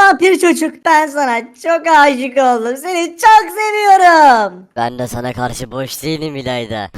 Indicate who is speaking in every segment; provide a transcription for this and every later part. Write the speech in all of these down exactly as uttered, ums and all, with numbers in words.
Speaker 1: Vampir çocuk, ben sana çok aşık oldum. Seni çok seviyorum.
Speaker 2: Ben de sana karşı boş değilim İlayda.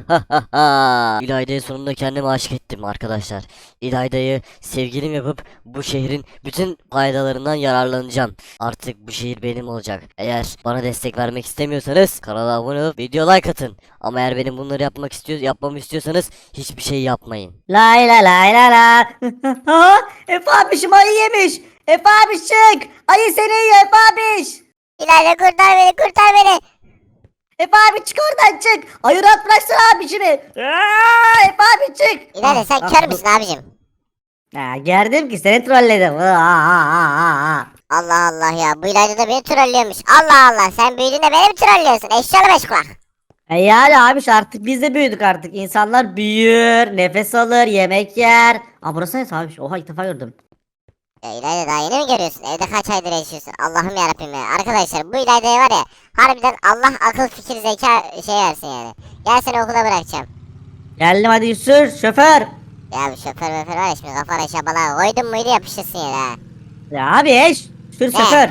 Speaker 2: İlayda'yı sonunda kendime aşık ettim arkadaşlar. İlayda'yı sevgilim yapıp bu şehrin bütün faydalarından yararlanacağım. Artık bu şehir benim olacak. Eğer bana destek vermek istemiyorsanız kanala abone olup video like atın. Ama eğer benim bunları yapmak istiyor, yapmamı istiyorsanız hiçbir şey yapmayın.
Speaker 1: Lay la lay la la. Ha, Efe abişim ayı yemiş. Efe abiş çık. Ayı seni yiyor Efe abiş.
Speaker 3: İlayda kurtar beni, kurtar beni.
Speaker 1: Efe abi çık oradan çık. Ayı rahat bıraksana abişimi. Aa, Efe abi çık.
Speaker 3: İlayda sen
Speaker 1: Ah,
Speaker 3: kör
Speaker 1: ah,
Speaker 3: müsün abicim?
Speaker 1: Ha, gördüm ki seni trolledim. Aa, aa, aa, aa.
Speaker 3: Allah Allah ya, bu İlayda da beni trollüyormuş. Allah Allah, sen büyüdüğünde beni mi trollüyorsun? Eşyalı beş kulak.
Speaker 1: E yani abiş artık biz de büyüdük artık. İnsanlar büyür, nefes alır, yemek yer. Aa burası ne abiş? Oha ilk defa gördüm.
Speaker 3: Ya İlayda daha yeni mi görüyorsun? Evde kaç aydır yaşıyorsun? Allah'ım yarabbim ya. Arkadaşlar bu İlayda'ya var ya, harbiden Allah akıl fikir zeka şey versin yani. Gel seni okula bırakacağım.
Speaker 1: Geldim hadi sür şoför.
Speaker 3: Ya bu şoför möför var ya, şimdi kafana şabala koydun muydu yapışırsın yere ha.
Speaker 1: Ya abi eş. Sür şoför.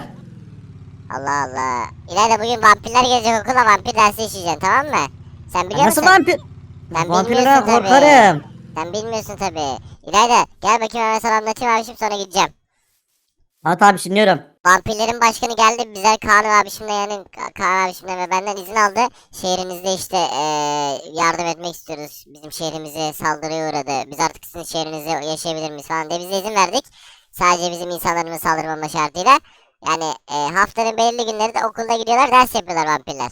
Speaker 3: Allah Allah. İlayda bugün vampirler gelecek okula, vampir dersi işleyeceksin, tamam mı? Sen biliyor
Speaker 1: Nasıl
Speaker 3: musun?
Speaker 1: vampir?
Speaker 3: Ben
Speaker 1: Vampirden
Speaker 3: bilmiyorsun tabii.
Speaker 1: korkarım.
Speaker 3: Sen bilmiyorsun tabi. İlayda gel bakayım, hemen sana anlatayım abişim, sonra gideceğim.
Speaker 1: At abi dinliyorum.
Speaker 3: Vampirlerin başkanı geldi, bize Kaan abişimle, yani Ka- Kaan abişimle ve benden izin aldı. Şehrinizde işte eee, yardım etmek istiyoruz. Bizim şehrimize saldırıya uğradı. Biz artık sizin şehrinizde yaşayabilir miyiz falan diye bize izin verdik. Sadece bizim insanlarımız saldırmama şartıyla. Yani eee, haftanın belirli günleri de okulda gidiyorlar, ders yapıyorlar vampirler.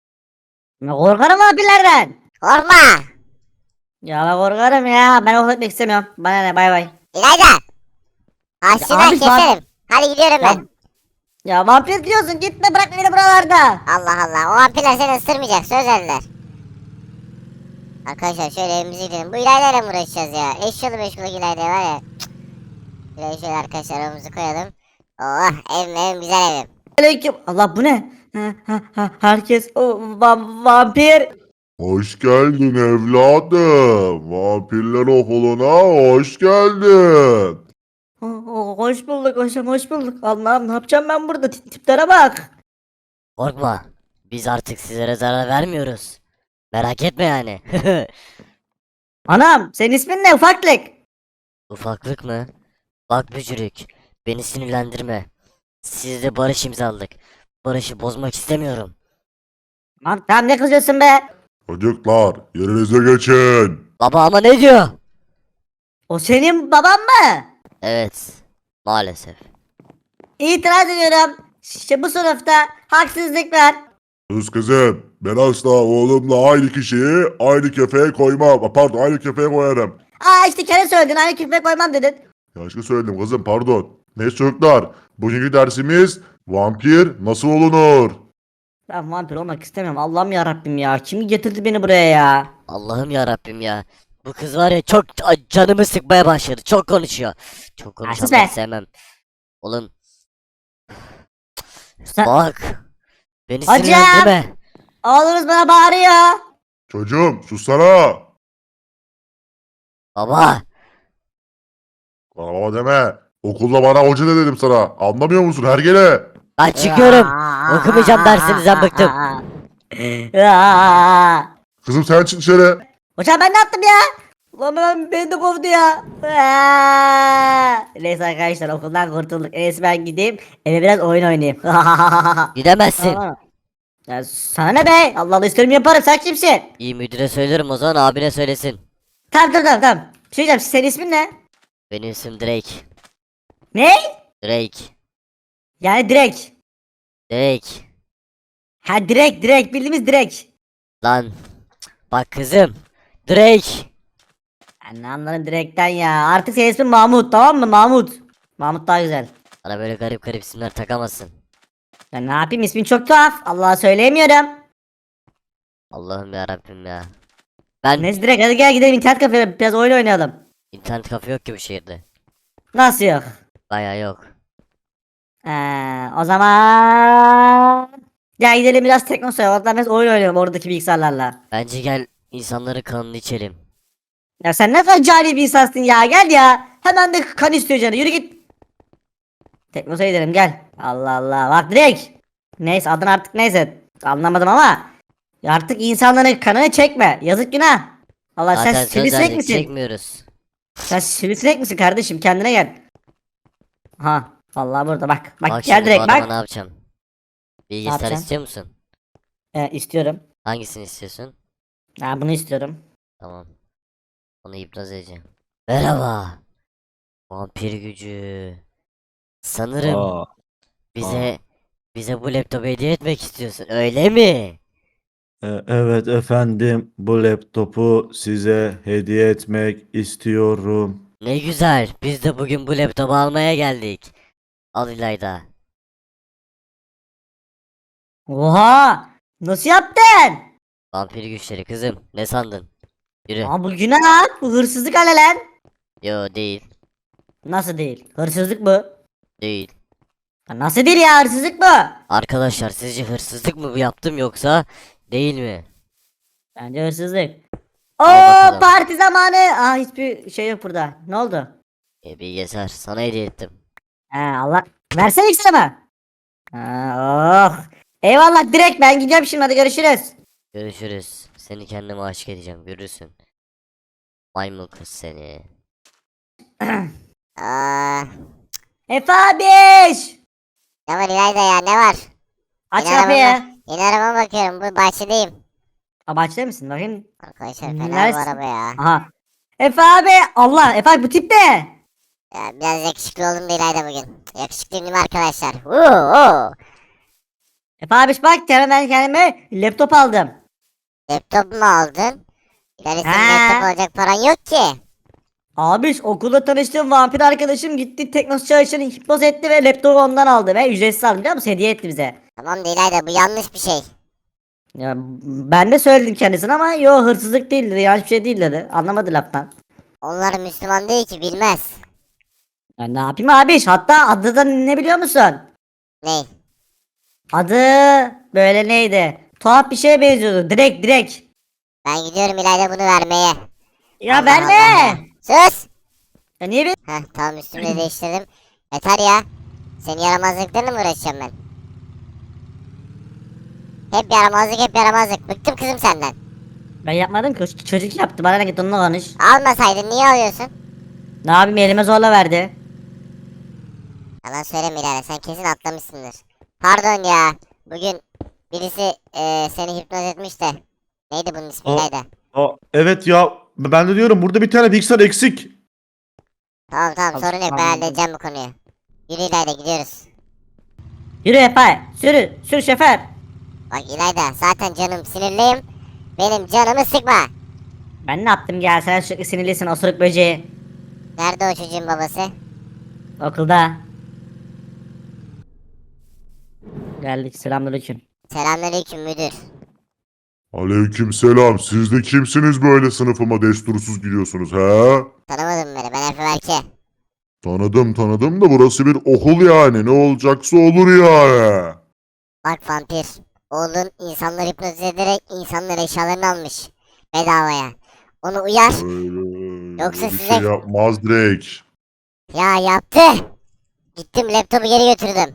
Speaker 1: Ben korkarım vampirlerden.
Speaker 3: Korkma!
Speaker 1: Ya ben korkarım ya. Ben okul etmek istemiyorum. Bana ne bay bay.
Speaker 3: İlayda! Haşına
Speaker 1: abi,
Speaker 3: keserim. Hadi gidiyorum
Speaker 1: Ya,
Speaker 3: ben.
Speaker 1: ya vampir diyorsun gitme bırak beni buralarda.
Speaker 3: Allah Allah, o vampirler seni ısırmayacak, söz verdiler. Arkadaşlar şöyle evimize gidelim. Bu İlayda'yla mı uğraşacağız ya? Eşyalı meşgul İlayda var ya. Cık. Şöyle şöyle arkadaşlar evimizi koyalım. Oh, evim evim, güzel evim.
Speaker 1: Aleyküm. Allah bu ne? Ha, ha, ha, herkes o va- vampir.
Speaker 4: Hoş geldin evladım. Vampirler okuluna hoş geldin.
Speaker 1: O- o- Hoş bulduk hocam hoş bulduk. Allah'ım ne yapacağım ben burada Tip- tiplere bak.
Speaker 2: Korkma. Biz artık sizlere zarar vermiyoruz. Merak etme yani.
Speaker 1: Anam senin ismin ne ufaklık?
Speaker 2: Ufaklık mı? Bak bücürük. Beni sinirlendirme. Sizle barış imzaladık. Barışı bozmak istemiyorum.
Speaker 1: Lan tamam ne kızıyorsun be?
Speaker 4: Çocuklar yerinize geçin.
Speaker 2: Baba ama ne diyor?
Speaker 1: O senin baban mı?
Speaker 2: Evet. Maalesef.
Speaker 1: İtiraz ediyorum. İşte bu sınıfta haksızlık var.
Speaker 4: Kız kızım ben asla oğlumla aynı kişiyi aynı kefeye koymam. Pardon aynı kefeye koyarım.
Speaker 1: Aa işte kere söyledin aynı küfe koymam dedin.
Speaker 4: Yanlışlıkla söyledim kızım pardon. Neyse çocuklar bugünkü dersimiz vampir nasıl olunur?
Speaker 1: Ben vampir olmak istemiyorum. Allah'ım ya Rabbim ya. Kim getirdi beni buraya ya?
Speaker 2: Allah'ım ya Rabbim ya. Bu kız var ya çok a- canımı sıkmaya başladı. Çok konuşuyor. Çok
Speaker 1: sus
Speaker 2: konuşanları
Speaker 1: be.
Speaker 2: sevmem. Oğlum
Speaker 1: Sen...
Speaker 2: bak. Beni
Speaker 1: Hocam!
Speaker 2: sinirlendirme.
Speaker 1: Oğlunuz bana bağırıyor.
Speaker 4: Çocuğum sussana.
Speaker 2: Baba.
Speaker 4: Bana baba deme. Okulda bana hoca ne dedim sana. Anlamıyor musun hergele?
Speaker 2: Ben çıkıyorum. Okumayacağım dersinizden bıktım.
Speaker 1: Aa!
Speaker 4: Kızım sen çık dışarı.
Speaker 1: Hocam ben ne yaptım ya? Ulan ben beni de kovdu ya. Aa! Neyse arkadaşlar okuldan kurtulduk. En iyisi ben gideyim eve biraz oyun oynayayım.
Speaker 2: Gidemezsin.
Speaker 1: Aa. Ya sana ne be? Allah Allah isterim yaparım sen kimsin?
Speaker 2: İyi müdüre söylerim o zaman abine söylesin.
Speaker 1: Tamam tamam tamam. tamam. Bir şey diyeceğim senin ismin ne?
Speaker 2: Benim isim Drake.
Speaker 1: Ne?
Speaker 2: Drake.
Speaker 1: Yani direkt.
Speaker 2: Drake.
Speaker 1: Ha direkt direkt bildiğimiz direkt.
Speaker 2: Lan. Bak kızım. Drake.
Speaker 1: Ben ne anlarım direkten ya. Artık senin ismin Mahmut tamam mı Mahmut? Mahmut daha güzel.
Speaker 2: Bana böyle garip garip isimler takamazsın.
Speaker 1: Ya ne yapayım ismin çok tuhaf. Allah'a söyleyemiyorum.
Speaker 2: Allah'ım ya Rabbim ya. Ben
Speaker 1: Neyse direkt hadi gel gidelim internet kafeye biraz oyun oynayalım.
Speaker 2: internet kafe yok ki bu şehirde.
Speaker 1: Nasıl yok?
Speaker 2: Baya yok.
Speaker 1: Ee, o zaman... Ya gidelim biraz teknosaya oradan biraz oyun oynayalım oradaki bilgisayarlarla.
Speaker 2: Bence gel insanların kanını içelim.
Speaker 1: Ya sen ne kadar cahil bir insansın ya gel ya. Hemen de kan istiyor canı yürü git. Teknosa'ya gidelim gel. Allah Allah bak direkt. Neyse adın artık neyse. Anlamadım ama. Artık insanların kanını çekme. Yazık günah. Allah sen
Speaker 2: Zaten söz
Speaker 1: sivrisinek
Speaker 2: verdik,
Speaker 1: misin?
Speaker 2: çekmiyoruz.
Speaker 1: Sen sivrisinek misin kardeşim kendine gel. Ha vallahi burada bak. Bak,
Speaker 2: Bak
Speaker 1: gel
Speaker 2: şimdi bu
Speaker 1: direkt
Speaker 2: adama
Speaker 1: bak.
Speaker 2: ne yapacağım? Bilgisayar
Speaker 1: yapacaksın?
Speaker 2: istiyor musun?
Speaker 1: Ee, istiyorum.
Speaker 2: Hangisini istiyorsun?
Speaker 1: Ha bunu istiyorum.
Speaker 2: Tamam. Onu hipnoz edeceğim. Merhaba. Vampir gücü. Sanırım
Speaker 5: Aa,
Speaker 2: bize bize bu laptopu hediye etmek istiyorsun, öyle mi?
Speaker 5: e- evet efendim, bu laptopu size hediye etmek istiyorum.
Speaker 2: Ne güzel. Biz de bugün bu laptopu almaya geldik. Al İlayda.
Speaker 1: Oha! Nasıl yaptın?
Speaker 2: Vampir güçleri kızım. Ne sandın? Yürü.
Speaker 1: Aa bu günah. Bu hırsızlık hele lan.
Speaker 2: Yo değil.
Speaker 1: Nasıl değil? Hırsızlık bu.
Speaker 2: Değil.
Speaker 1: Ya nasıl değil ya hırsızlık bu?
Speaker 2: Arkadaşlar sizce hırsızlık mı bu yaptım yoksa değil mi?
Speaker 1: Bence hırsızlık.
Speaker 2: Al
Speaker 1: Oo
Speaker 2: bakalım.
Speaker 1: parti zamanı. Aa hiçbir şey yok burada. Ne oldu?
Speaker 2: E bilgisayar sana hediye ettim.
Speaker 1: He Allah. Versene ikisini mi? Ha, oh. Eyvallah direkt ben gidiyorum şimdi hadi görüşürüz.
Speaker 2: Görüşürüz. Seni kendime aşık edeceğim, görürsün. Maymun kız seni.
Speaker 3: Aa,
Speaker 1: Efe abiş.
Speaker 3: ne var İlayda ya ne var?
Speaker 1: Aç
Speaker 3: Yine
Speaker 1: kapıyı.
Speaker 3: arabama, yine arabama bakıyorum bu bahçedeyim.
Speaker 1: Aa bahçede misin bakayım.
Speaker 3: Arkadaşlar fena bu
Speaker 1: Neredesin?
Speaker 3: araba ya.
Speaker 1: Aha. Efe abi. Allah Efe abi bu tip ne?
Speaker 3: Ya biraz yakışıklı oldum da İlayda bugün. Yakışıklıyım değil mi arkadaşlar? Oo, oo.
Speaker 1: Efe abiş bak ben kendime laptop aldım.
Speaker 3: Laptop mu aldın? İlayda senin
Speaker 1: Ha.
Speaker 3: laptop alacak paran yok ki.
Speaker 1: Abiş okulda tanıştığım vampir arkadaşım gitti Teknos çalışanı hipnoz etti ve laptopu ondan aldı ve ücretsiz aldı biliyor musun? Hediye etti bize.
Speaker 3: Tamam da İlayda bu yanlış bir şey.
Speaker 1: Ya ben de söyledim kendisine ama yo hırsızlık değil dedi yanlış bir şey değil dedi. Anlamadı laftan.
Speaker 3: Onlar Müslüman değil ki bilmez.
Speaker 1: Ya ne yapayım abiş hatta adı da ne biliyor musun?
Speaker 3: Ney?
Speaker 1: Adı böyle neydi? Tuhaf bir şeye benziyordu direkt direkt.
Speaker 3: Ben gidiyorum İlayda bunu vermeye.
Speaker 1: Ya
Speaker 3: Allah
Speaker 1: verme.
Speaker 3: Allah ya. Sus!
Speaker 1: Ya niye bir...
Speaker 3: Heh tamam üstümü de değiştirdim. Yeter ya. Senin yaramazlıklarına mı uğraşacağım ben? Hep yaramazlık hep yaramazlık. Bıktım kızım senden.
Speaker 1: Ben yapmadım ki ç- çocuk yaptı bana ne git onunla konuş.
Speaker 3: Almasaydın niye alıyorsun?
Speaker 1: Ne yapayım elime zorla verdi.
Speaker 3: Yalan söyleme İlayda sen kesin atlamışsındır. Pardon ya. Bugün birisi eee, seni hipnoz etmiş de. Neydi bunun ismi
Speaker 5: O-
Speaker 3: İlayda?
Speaker 5: Aa, evet ya, ben de diyorum burada bir tane bilgisayar eksik.
Speaker 3: Tamam tamam
Speaker 1: Al-
Speaker 3: sorun yok ben
Speaker 1: tamam.
Speaker 3: halledeceğim bu konuyu. Yürü İlayda gidiyoruz.
Speaker 1: Yürü Efe sürü sür şoför.
Speaker 3: Bak İlayda zaten canım sinirliyim. Benim canımı sıkma.
Speaker 1: Ben ne yaptım gel sen sürekli sinirlisin osuruk böceği.
Speaker 3: Nerede o çocuğun babası?
Speaker 1: Okulda. Geldik selamünaleyküm.
Speaker 3: Selamünaleyküm müdür.
Speaker 4: Aleykümselam. Siz de kimsiniz böyle sınıfıma destursuz gidiyorsunuz he?
Speaker 3: Tanımadın beni ben Efe Berke.
Speaker 4: Tanıdım tanıdım da burası bir okul yani. Ne olacaksa olur yani.
Speaker 3: Bak vampir. Oğlun insanları hipnoz ederek insanların eşyalarını almış. Bedavaya. Onu uyar.
Speaker 4: Öyle,
Speaker 3: Yoksa
Speaker 4: öyle bir
Speaker 3: size-
Speaker 4: şey yapmaz direkt.
Speaker 3: Ya yaptı. Gittim laptopu geri götürdüm.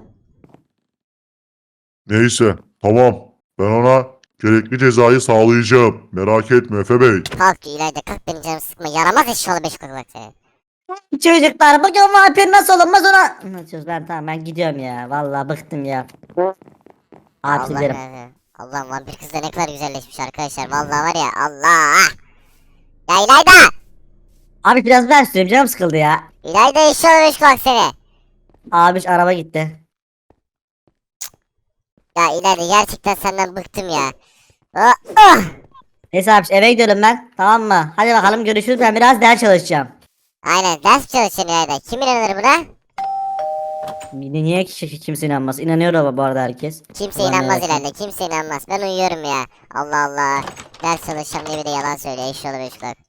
Speaker 4: Neyse tamam. Ben ona gerekli cezayı sağlayacağım. Merak etme Efe Bey.
Speaker 3: Kalk İlayda kalk benim canımı sıkma. Yaramaz eşyalı beş kulak seni.
Speaker 1: Çocuklar bugün vampir nasıl olunmaz ona. Anlatıyoruz ben tamam ben gidiyorum ya. Vallahi bıktım ya. Abi
Speaker 3: Allah
Speaker 1: sizlerim.
Speaker 3: Allah. Allah vampir kız da ne kadar güzelleşmiş arkadaşlar. Vallahi var ya Allah. Ya İlayda.
Speaker 1: Abi biraz ben süreyim canım sıkıldı ya.
Speaker 3: İlayda eşyalı beş kulak seni.
Speaker 1: Abi araba gitti.
Speaker 3: Ya İlayda gerçekten senden bıktım ya. Oh, oh.
Speaker 1: Neyse abi eve gidiyorum ben. Tamam mı? Hadi bakalım görüşürüz ben biraz ders çalışacağım.
Speaker 3: Aynen ders çalışın İlayda. Kim inanır buna?
Speaker 1: Niye ki kimse inanmaz? İnanıyor ama bu arada herkes.
Speaker 3: Kimse
Speaker 1: Ulan
Speaker 3: inanmaz
Speaker 1: evet.
Speaker 3: ileride. Kimse inanmaz. Ben uyuyorum ya. Allah Allah. Ders çalışacağım diye bir de yalan söylüyor. Eşyalı beş kulak.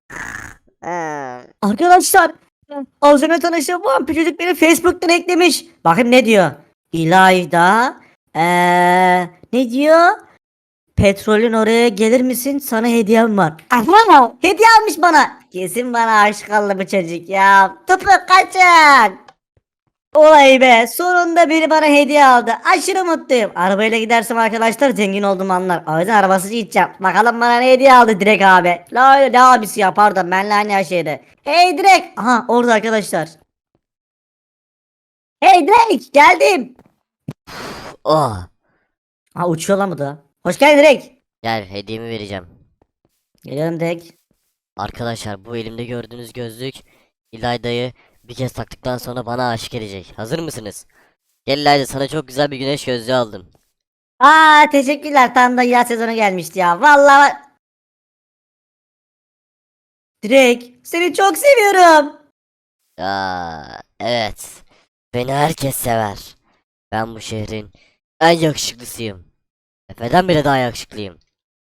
Speaker 3: Hmm.
Speaker 1: Arkadaşlar az önce tanıştığım vampir çocuk beni Facebook'tan eklemiş. Bakın ne diyor. İlayda eee ne diyor? Petrolün oraya gelir misin? Sana hediyem var. Aha, hediye almış bana. Kesin bana aşık oldu bu çocuk ya. Tıpkı kaçın. Olay be. Sonunda biri bana hediye aldı. Aşırı mutluyum. Arabayla gidersem arkadaşlar zengin olduğumu anlar. O yüzden arabasız gideceğim. Bakalım bana ne hediye aldı Direk abi. La öyle ne abisi ya pardon benle aynı yaşıydı. Hey Direk. Aha orada arkadaşlar. Hey Direk geldim.
Speaker 2: Oh.
Speaker 1: Ha uçuyor lan bu da. Hoş geldin Direk.
Speaker 2: Gel hediyemi vereceğim.
Speaker 1: Geliyorum Direk.
Speaker 2: Arkadaşlar bu elimde gördüğünüz gözlük İlayda'yı bir kez taktıktan sonra bana aşık edecek. Hazır mısınız? Gel İlayda, sana çok güzel bir güneş gözlüğü aldım.
Speaker 1: Aa teşekkürler tam da yaz sezonu gelmişti ya. Vallahi Direk seni çok seviyorum.
Speaker 2: Aa, evet. Beni herkes sever. Ben bu şehrin en yakışıklısıyım. Efe'den bile daha yakışıklıyım.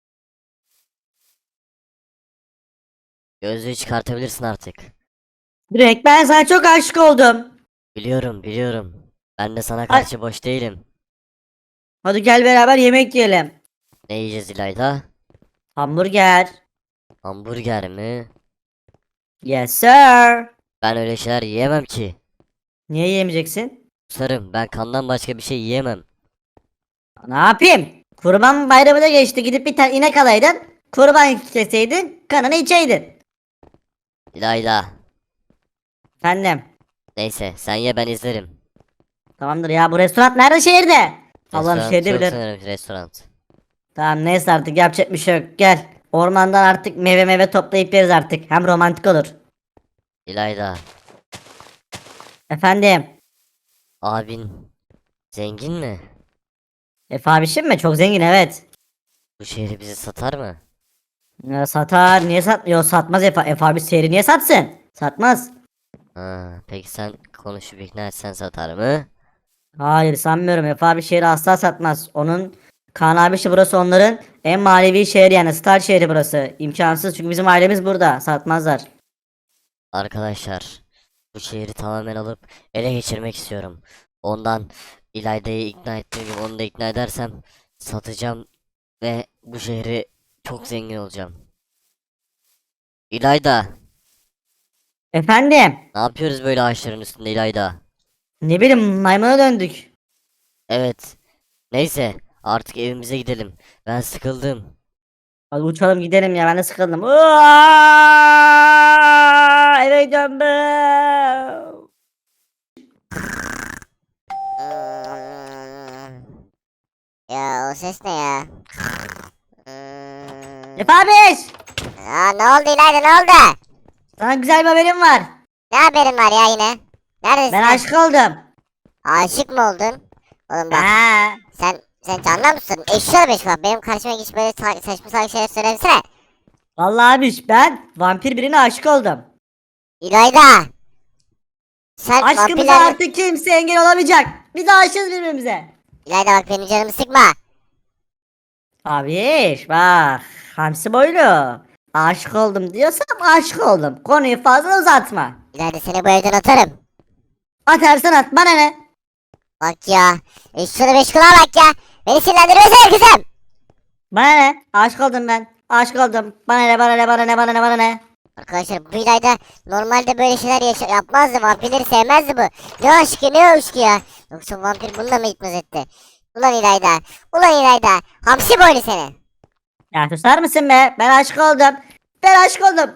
Speaker 2: Gözlüğü çıkartabilirsin artık.
Speaker 1: Direk ben sana çok aşık oldum.
Speaker 2: Biliyorum, biliyorum. Ben de sana karşı boş değilim.
Speaker 1: Hadi gel beraber yemek yiyelim.
Speaker 2: Ne yiyeceğiz İlayda?
Speaker 1: Hamburger.
Speaker 2: Hamburger mi?
Speaker 1: Yes sir.
Speaker 2: Ben öyle şeyler yiyemem ki.
Speaker 1: Niye yemeyeceksin?
Speaker 2: Sarım, ben kandan başka bir şey yiyemem.
Speaker 1: Ne yapayım? Kurban bayramı da geçti. Gidip bir tane inek alaydın. Kurban keseydin. Kanını içeydin.
Speaker 2: İlayda.
Speaker 1: Efendim.
Speaker 2: Neyse, sen ye, ben izlerim.
Speaker 1: Tamamdır ya bu restoran nerede şehirde? Allah'ım
Speaker 2: Restoran
Speaker 1: şehirde
Speaker 2: yok
Speaker 1: bilir.
Speaker 2: sanırım, restoran.
Speaker 1: Tamam neyse artık yapacak bir şey yok. Gel. Ormandan artık meyve meyve toplayıp yeriz artık. Hem romantik olur.
Speaker 2: İlayda,
Speaker 1: Efendim.
Speaker 2: abin zengin mi?
Speaker 1: Efe abişim mi? Çok zengin evet.
Speaker 2: Bu şehri bize satar mı?
Speaker 1: Ya satar. Niye satmıyor? Satmaz Efe. Efe abi seri niye satsın? Satmaz.
Speaker 2: Ha, peki sen konuşup ikna etsen satar mı?
Speaker 1: Hayır sanmıyorum. Efe abi şehri asla satmaz. Onun Kaan abişi burası onların en manevi şehri yani star şehri burası. İmkansız çünkü bizim ailemiz burada. Satmazlar.
Speaker 2: Arkadaşlar, bu şehri tamamen alıp ele geçirmek istiyorum. Ondan İlayda'yı ikna ettiğim gibi onu da ikna edersem satacağım ve bu şehri çok zengin olacağım. İlayda,
Speaker 1: Efendim.
Speaker 2: ne yapıyoruz böyle ağaçların üstünde İlayda?
Speaker 1: Ne bileyim maymuna döndük.
Speaker 2: Evet. Neyse, artık evimize gidelim. Ben sıkıldım.
Speaker 1: Hadi uçalım gidelim ya ben de sıkıldım. Aaaa! Eve gidiyorum ben.
Speaker 3: Hmm. Ya o ses ne ya? Hmm.
Speaker 1: Efe abiş!
Speaker 3: Aa, ne oldu İlayda, ne oldu?
Speaker 1: Sana güzel bir haberim var.
Speaker 3: Ne haberin var ya yine? Neredesin?
Speaker 1: Ben
Speaker 3: lan?
Speaker 1: aşık oldum.
Speaker 3: Aşık mı oldun? Oğlum bak,
Speaker 1: Ha.
Speaker 3: sen sen canlı mısın? Eşşoğlu beş bak, benim karşıma geç böyle sa- saçma salak şeyler söylemesene.
Speaker 1: Vallahi abiş ben vampir birine aşık oldum.
Speaker 3: İlayda! Sen
Speaker 1: Aşkımıza
Speaker 3: vampirler...
Speaker 1: artık kimse engel olamayacak. Biz aşığız birbirimize.
Speaker 3: İlayda bak, benim canımı sıkma.
Speaker 1: Abiş bak. Hamsi boylu. Aşık oldum diyorsam aşık oldum. Konuyu fazla uzatma.
Speaker 3: İlayda, seni bu evden atarım.
Speaker 1: Atarsan at bana ne?
Speaker 3: Bak ya. Eşşoğlu beş kulağa bak ya. Beni sinirlendirmesene kızım.
Speaker 1: Bana ne? Aşık oldum ben. Aşık oldum. Bana ne bana ne bana ne bana ne bana ne?
Speaker 3: Arkadaşlar bu İlayda normalde böyle şeyler yaşa yapmazdı. Vampirleri sevmezdi bu. Ne aşkı ne aşkı ya. Yoksa vampir bununla mı gitmez etti? Ulan İlayda. Ulan İlayda. Hamsi boylu seni.
Speaker 1: Ya susar mısın be? Ben aşık oldum. Ben aşık oldum.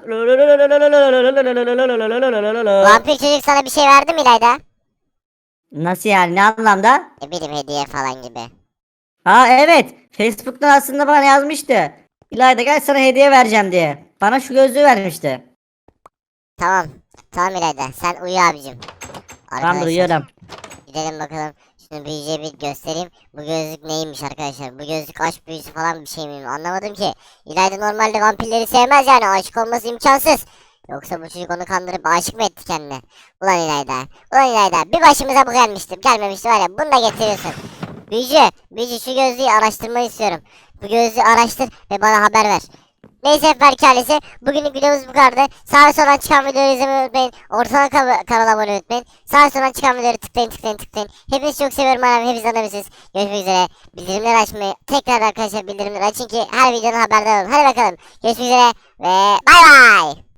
Speaker 3: Vampir çocuk sana bir şey verdi mi İlayda?
Speaker 1: Nasıl yani? Ne anlamda?
Speaker 3: Ne bileyim, hediye falan gibi.
Speaker 1: Ha evet. Facebook'tan aslında bana yazmıştı. İlayda gel sana hediye vereceğim diye. Bana şu gözlüğü vermişti.
Speaker 3: Tamam. Tamam İlayda. Sen uyu abicim.
Speaker 1: Tamam
Speaker 3: Arkadaşlar,
Speaker 1: duyuyorum.
Speaker 3: gidelim bakalım. Şunu büyücüye bir göstereyim. Bu gözlük neymiş arkadaşlar? Bu gözlük aşk büyüsü falan bir şey mi? Anlamadım ki. İlayda normalde vampirleri sevmez yani. Aşık olması imkansız. Yoksa bu çocuk onu kandırıp aşık mı etti kendine? Ulan İlayda. Ulan İlayda. Bir başımıza bu gelmişti. Gelmemişti var ya. Bunu da getiriyorsun. Büyücü. Büyücü, şu gözlüğü araştırmayı istiyorum. Bu gözlüğü araştır ve bana haber ver. Neyse efendim ailesi, bugünlük videomuz bu kadardı. Sağa sola çıkan videoları izlemeyi unutmayın. Ortadan kan kanala abone olmayı unutmayın. Sağa sola çıkan videoları tıklayın tıklayın tıklayın. Hepinizi çok seviyorum anam, hepiniz anlamışsınız. Görüşmek üzere. Bildirimleri açmayı tekrar arkadaşlar bildirimleri açın ki her videonun haberdar olun. Hadi bakalım. Görüşmek üzere ve bay bay.